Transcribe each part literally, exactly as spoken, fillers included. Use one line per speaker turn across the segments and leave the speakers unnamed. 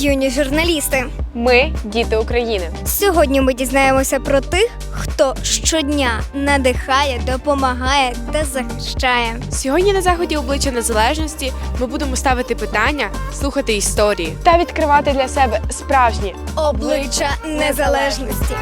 юні журналісти.
Ми – діти України.
Сьогодні ми дізнаємося про тих, хто щодня надихає, допомагає та захищає.
Сьогодні на заході обличчя незалежності ми будемо ставити питання, слухати історії та відкривати для себе справжні
Обличчя незалежності.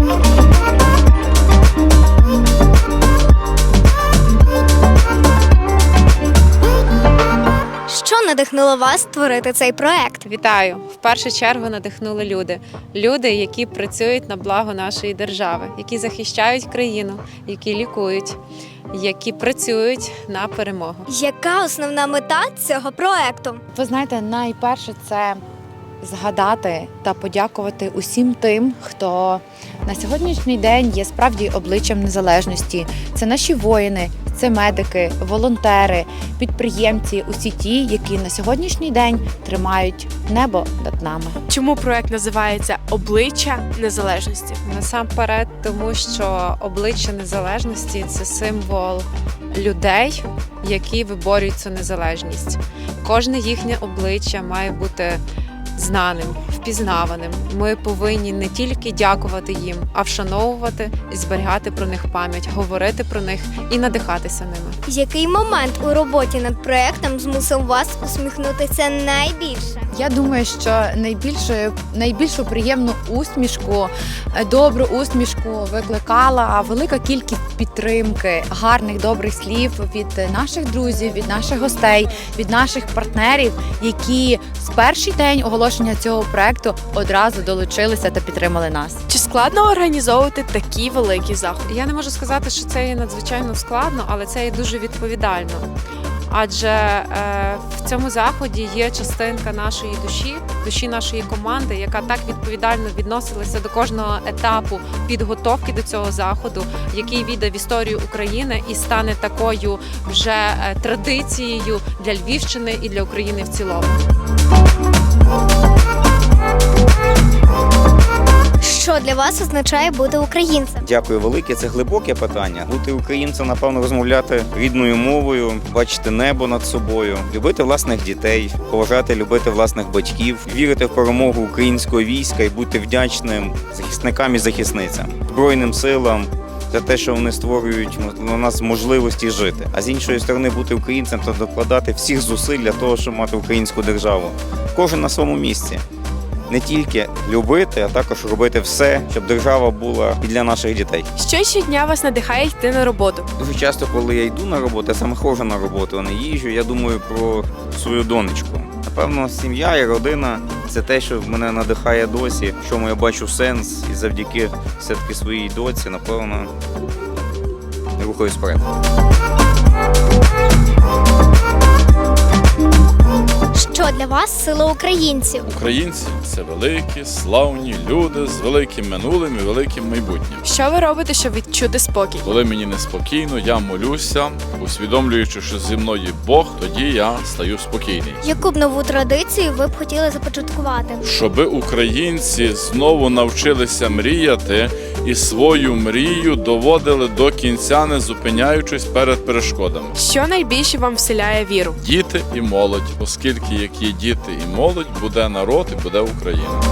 Що надихнуло вас створити цей проект?
Вітаю! В першу чергу надихнули люди. Люди, які працюють на благо нашої держави, які захищають країну, які лікують, які працюють на перемогу.
Яка основна мета цього проекту?
Ви знаєте, найперше це згадати та подякувати усім тим, хто на сьогоднішній день є справді обличчям незалежності. Це наші воїни, це медики, волонтери, підприємці, усі ті, які на сьогоднішній день тримають небо над нами.
Чому проект називається «Обличчя незалежності»?
Насамперед, тому що обличчя незалежності – це символ людей, які виборюють цю незалежність. Кожне їхнє обличчя має бути знаним, впізнаваним. Ми повинні не тільки дякувати їм, а вшановувати і зберігати про них пам'ять, говорити про них і надихатися ними.
Який момент у роботі над проектом змусив вас усміхнутися найбільше?
Я думаю, що найбільшу, найбільшу приємну усмішку, добру усмішку викликала велика кількість підтримки, гарних, добрих слів від наших друзів, від наших гостей, від наших партнерів, які з перший день оголошення цього проекту одразу долучилися та підтримали нас.
Чи складно організовувати такі великі заходи?
Я не можу сказати, що це є надзвичайно складно, але це є дуже відповідально. Адже е, в цьому заході є частинка нашої душі, душі нашої команди, яка так відповідально відносилася до кожного етапу підготовки до цього заходу, який війде в історію України і стане такою вже е, традицією для Львівщини і для України в цілому.
Що для вас означає бути українцем?
Дякую велике, це глибоке питання. Бути українцем, напевно, розмовляти рідною мовою, бачити небо над собою, любити власних дітей, поважати, любити власних батьків, вірити в перемогу українського війська і бути вдячним захисникам і захисницям, Збройним силам за те, що вони створюють у нас можливості жити. А з іншої сторони, бути українцем та докладати всіх зусиль для того, щоб мати українську державу. Кожен на своєму місці. Не тільки любити, а також робити все, щоб держава була і для наших дітей.
Що щодня вас надихає йти на роботу?
Дуже часто, коли я йду на роботу, я саме ходжу на роботу, а не їжджу, я думаю про свою донечку. Напевно, сім'я і родина – це те, що мене надихає досі, в чому я бачу сенс, і завдяки все-таки своїй доці, напевно, рухаюсь вперед.
Що для вас сила українців?
Українці – це великі, славні люди з великим минулим і великим майбутнім.
Що ви робите, щоб відчути спокій?
Коли мені неспокійно, я молюся, усвідомлюючи, що зі мною Бог, тоді я стаю спокійний.
Яку б нову традицію ви б хотіли започаткувати?
Щоби українці знову навчилися мріяти і свою мрію доводили до кінця, не зупиняючись перед перешкодами.
Що найбільше вам вселяє віру?
Діти і молодь, оскільки як є діти і молодь, буде народ і буде Україна.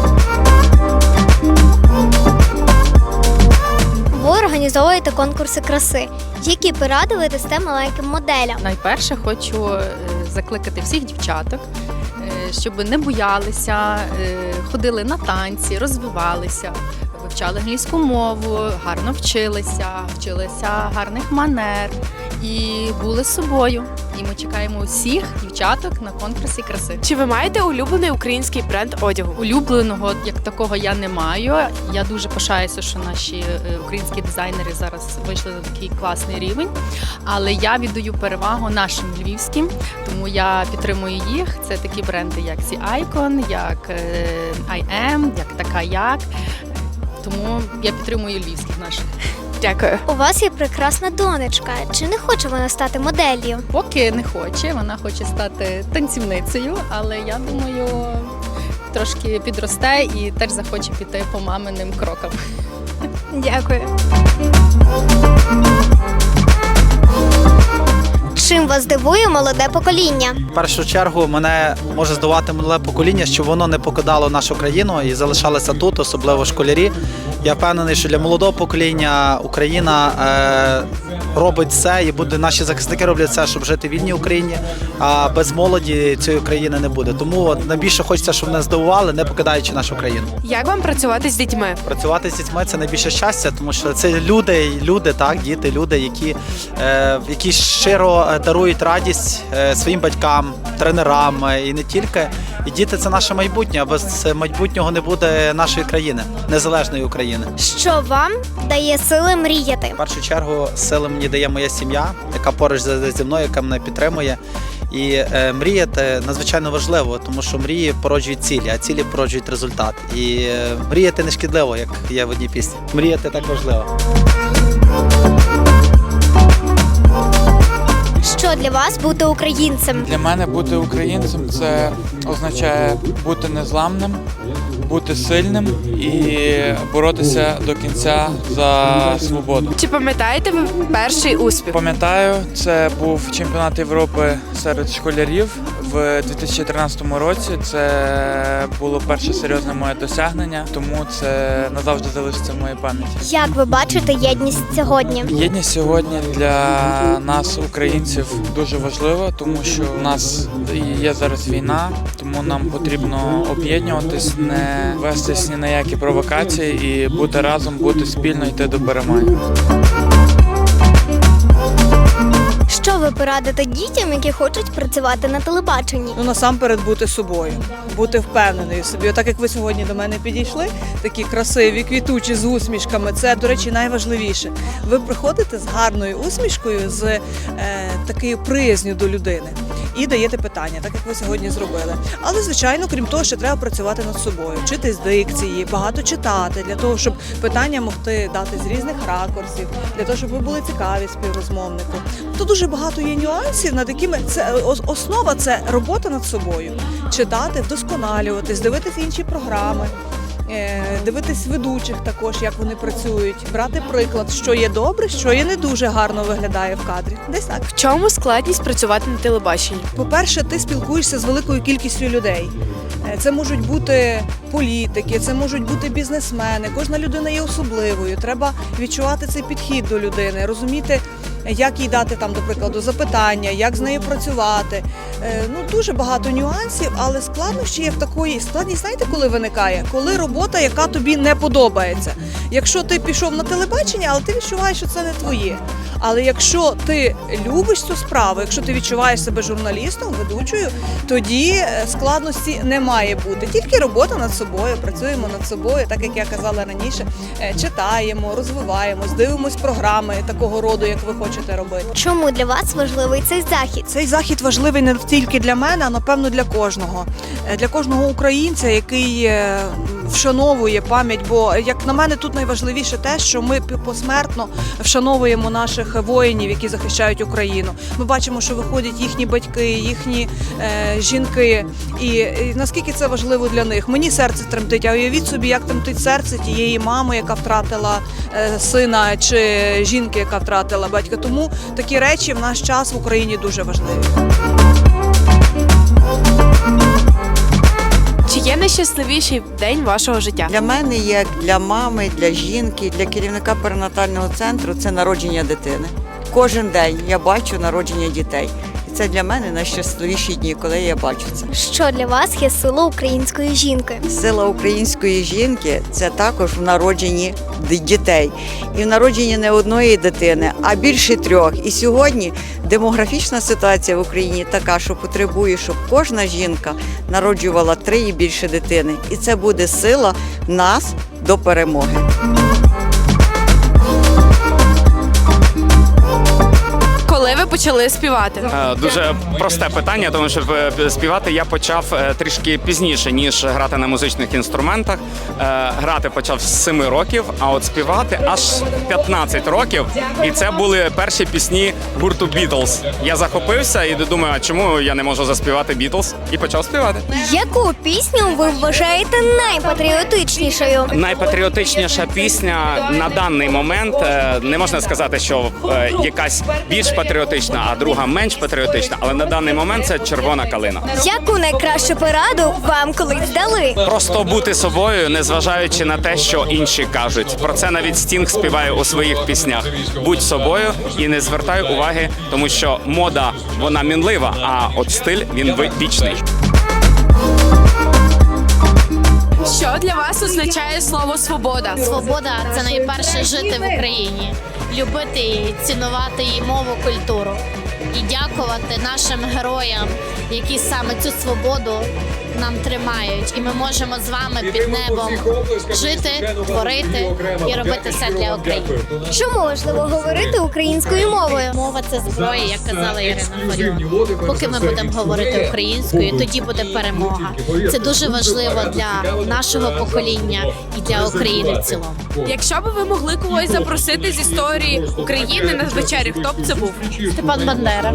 Ви організовуєте конкурси краси. Які поради ви дасте маленьким моделям?
Найперше хочу е, закликати всіх дівчаток, е, щоб не боялися, е, ходили на танці, розвивалися, вивчали англійську мову, гарно вчилися, вчилися гарних манер і були з собою. І ми чекаємо усіх дівчаток на конкурсі краси.
Чи ви маєте улюблений український бренд одягу?
Улюбленого як такого я не маю. Я дуже пишаюся, що наші е, українські дизайнери зараз вийшли на такий класний рівень. Але я віддаю перевагу нашим львівським, тому я підтримую їх. Це такі бренди, як The Icon, як е, I Am, як Така Як. Тому я підтримую львівських наших.
Дякую.
У вас є прекрасна донечка. Чи не хоче вона стати моделлю?
Поки не хоче, вона хоче стати танцівницею, але я думаю, трошки підросте і теж захоче піти по маминим крокам.
Дякую. Чим вас дивує молоде покоління?
В першу чергу мене може здивувати молоде покоління, що воно не покидало нашу країну і залишалося тут, особливо школярі. Я впевнений, що для молодого покоління Україна е, робить все і буде, наші захисники роблять все, щоб жити в вільній Україні, а без молоді цієї країни не буде. Тому от, найбільше хочеться, щоб мене здивували, не покидаючи нашу країну.
Як вам працювати з дітьми?
Працювати з дітьми – це найбільше щастя, тому що це люди, люди, так, діти, люди, які, е, які щиро дарують радість е, своїм батькам, тренерам е, і не тільки. І діти – це наше майбутнє, а без майбутнього не буде нашої країни, незалежної України.
Що вам дає сили мріяти?
В першу чергу сили мені дає моя сім'я, яка поруч зі зі мною, яка мене підтримує. І е, мріяти надзвичайно важливо, тому що мрії породжують цілі, а цілі породжують результат. І е, мріяти не шкідливо, як є в одній пісні. Мріяти так важливо.
Що для вас бути українцем?
Для мене бути українцем це означає бути незламним, бути сильним і боротися до кінця за свободу.
Чи пам'ятаєте ви перший успіх?
Пам'ятаю, це був чемпіонат Європи серед школярів в дві тисячі тринадцятому році. Це було перше серйозне моє досягнення, тому це назавжди залишиться в моїй пам'яті.
Як ви бачите єдність сьогодні?
Єдність сьогодні для нас, українців, дуже важлива, тому що в нас є зараз війна, тому нам потрібно об'єднуватись, не вестись ні на які провокації і бути разом, бути спільно, йти до перемоги.
Що ви порадите дітям, які хочуть працювати на телебаченні?
Ну, насамперед бути собою, бути впевненою в собі. Отак, як ви сьогодні до мене підійшли, такі красиві, квітучі, з усмішками, це, до речі, найважливіше. Ви приходите з гарною усмішкою, з е, такою приязню до людини і даєте питання, так як ви сьогодні зробили. Але, звичайно, крім того, ще треба працювати над собою, вчитись дикції, багато читати, для того, щоб питання могти дати з різних ракурсів, для того, щоб ви були цікаві співрозмовнику. Тут дуже багато є нюансів, над якими це основа – це робота над собою. Читати, вдосконалюватись, дивитися інші програми, дивитись ведучих також, як вони працюють, брати приклад, що є добре, що є не дуже гарно виглядає в кадрі. Десь так.
В чому складність працювати на телебаченні?
По-перше, ти спілкуєшся з великою кількістю людей. Це можуть бути політики, це можуть бути бізнесмени. Кожна людина є особливою. Треба відчувати цей підхід до людини, розуміти, як їй дати там, до прикладу, запитання, як з нею працювати. Ну, дуже багато нюансів, але складнощі є в такої складність, знаєте, коли виникає? Коли робота, яка тобі не подобається. Якщо ти пішов на телебачення, але ти відчуваєш, що це не твоє. Але якщо ти любиш цю справу, якщо ти відчуваєш себе журналістом, ведучою, тоді складності не має бути. Тільки робота над собою, працюємо над собою, так як я казала раніше, читаємо, розвиваємось, дивимось програми такого роду, як ви хочете робити.
Чому для вас важливий цей захід?
Цей захід важливий не тільки для мене, а напевно для кожного. Для кожного українця, який вшановує пам'ять, бо, як на мене, тут найважливіше те, що ми посмертно вшановуємо наших воїнів, які захищають Україну. Ми бачимо, що виходять їхні батьки, їхні е, жінки, і, і наскільки це важливо для них. Мені серце тремтить, а уявіть собі, як тремтить серце тієї мами, яка втратила е, сина, чи жінки, яка втратила батька. Тому такі речі в наш час в Україні дуже важливі.
Чи є найщасливіший день вашого життя?
Для мене, як для мами, для жінки, для керівника перинатального центру, це народження дитини. Кожен день я бачу народження дітей. І це для мене найщасливіші дні, коли я бачу це.
Що для вас є сила української жінки?
Сила української жінки – це також в народженні дітей. І в народженні не одної дитини, а більше трьох. І сьогодні демографічна ситуація в Україні така, що потребує, щоб кожна жінка народжувала три і більше дитини. І це буде сила нас до перемоги.
Коли ви почали співати?
Дуже просте питання, тому що співати я почав трішки пізніше, ніж грати на музичних інструментах. Грати почав з семи років, а от співати аж п'ятнадцять років. І це були перші пісні гурту Бітлз. Я захопився і думаю, а чому я не можу заспівати Бітлз? І почав співати.
Яку пісню ви вважаєте найпатріотичнішою?
Найпатріотичніша пісня на даний момент, не можна сказати, що якась більш патріотична патріотична, а друга менш патріотична, але на даний момент це червона калина.
Яку найкращу пораду вам колись дали?
Просто бути собою, незважаючи на те, що інші кажуть. Про це навіть Стінг співає у своїх піснях. Будь собою і не звертай уваги, тому що мода, вона мінлива, а от стиль, він вічний.
Що для вас означає слово свобода?
Свобода це найперше жити в Україні, любити її, цінувати її мову, культуру і дякувати нашим героям, які саме цю свободу нам тримають. І ми можемо з вами під небом жити, творити і робити все для України.
Що можливо говорити українською мовою?
Мова це зброя, як казала Ірина Фаріон. Поки ми будемо говорити українською, тоді буде перемога. Це дуже важливо для нашого покоління і для України в цілому.
Якщо б ви могли когось запросити з історії України на вечерю, хто б це був?
Степан Бандера.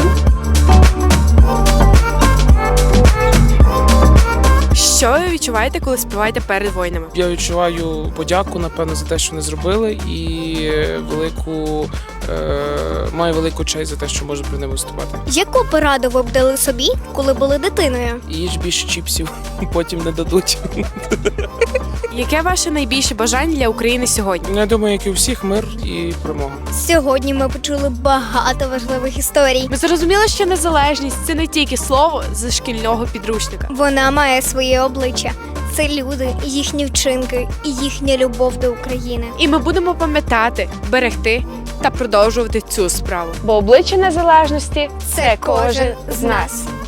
Що ви відчуваєте, коли співаєте перед воїнами?
Я відчуваю подяку, напевно, за те, що вони зробили, і велику е, маю велику честь за те, що можу при них виступати.
Яку пораду ви б дали собі, коли були дитиною?
Їж більше чіпсів, потім не дадуть.
Яке ваше найбільше бажання для України сьогодні?
Я думаю, як і у всіх, мир і перемога.
Сьогодні ми почули багато важливих історій.
Ми зрозуміли, що незалежність це не тільки слово з шкільного підручника.
Вона має своє обличчя. Це люди, їхні вчинки і їхня любов до України.
І ми будемо пам'ятати, берегти та продовжувати цю справу. Бо обличчя незалежності це кожен з нас.